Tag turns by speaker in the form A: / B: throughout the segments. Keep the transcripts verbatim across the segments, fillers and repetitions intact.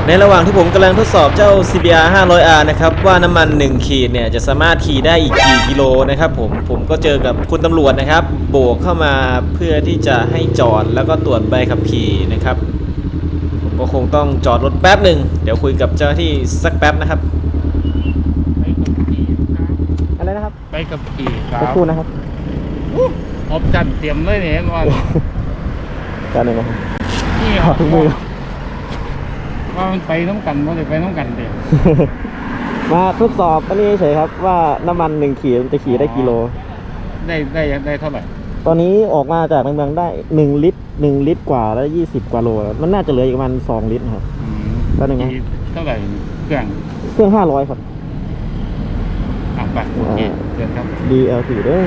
A: ในระหว่างที่ผมกำลังทดสอบเจ้า ซี บี อาร์ ห้าร้อย อาร์ นะครับว่าน้ำมันหนึ่งขีดเนี่ยจะสามารถขี่ได้อีกกี่กิโลนะครับผมผมก็เจอกับคุณตำรวจนะครับโบกเข้ามาเพื่อที่จะให้จอดแล้วก็ตรวจใบขับขี่นะครับผมก็คงต้องจอดรถแป๊บหนึ่งเดี๋ยวคุยกับเจ้าหน้าที่สักแป๊บนะครับอะไรนะครับ
B: ไปกับขี่ครับ
A: สักครู่นะครับ
B: ออปชั่นเตรียมเลยเนี่ยก่อน
A: การหนึ่งนะครับ
B: นี่
A: ขอทุกมือ
B: ว่ามันไปน้ำกันว่าจะไปน้ำกันเด็
A: มาทดสอบอันนี้เฉยครับว่าน้ำมันหนึ่งขีดมันจะขี่ได้กิโล
B: ได้ได้ได้เท่าไหร่
A: ตอนนี้ออกมาจากในเมืองได้หนึ่งลิตรหนึ่งลิตรกว่าแล้วยี่สิบกว่าโลมันน่าจะเหลืออีกประมาณสองลิตรครับก็หนึ่งนะ
B: เท่าไหร่เครื่อง
A: เครื่องห้าร้อยครับ
B: อ่ะไปโอเคเดี๋ยวครับ
A: ดี แอล ที ด้วย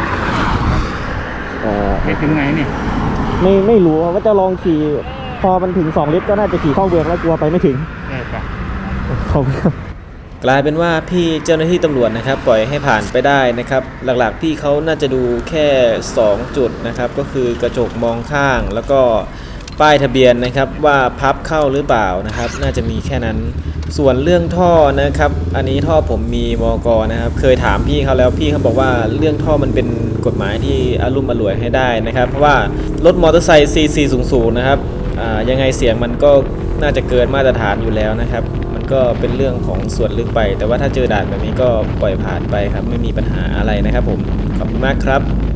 A: เอ่อ
B: ไปถึงไหนเนี่ย
A: ไม่ไม่รู้ว่าจะลองขี่พอมันถึงสองลิตรก็น่าจะขี่เข้าเมืองแล้วกลัวไปไม่ถึง
B: ได้ปะ
A: ขอบคุณครับกลายเป็นว่าพี่เจ้าหน้าที่ตำรวจนะครับปล่อยให้ผ่านไปได้นะครับหลักๆพี่เขาน่าจะดูแค่สองจุดนะครับก็คือกระจกมองข้างแล้วก็ป้ายทะเบียนนะครับว่าพับเข้าหรือเปล่านะครับน่าจะมีแค่นั้นส่วนเรื่องท่อนะครับอันนี้ท่อผมมีมก.นะครับเคยถามพี่เขาแล้วพี่เขาบอกว่าเรื่องท่อมันเป็นกฎหมายที่อารมณ์อร่วยให้ได้นะครับเพราะว่ารถมอเตอร์ไซค์ ซี ซี สูงๆนะครับยังไงเสียงมันก็น่าจะเกินมาตรฐานอยู่แล้วนะครับมันก็เป็นเรื่องของส่วนลึกไปแต่ว่าถ้าเจอด่านแบบนี้ก็ปล่อยผ่านไปครับไม่มีปัญหาอะไรนะครับผมขอบคุณมากครับ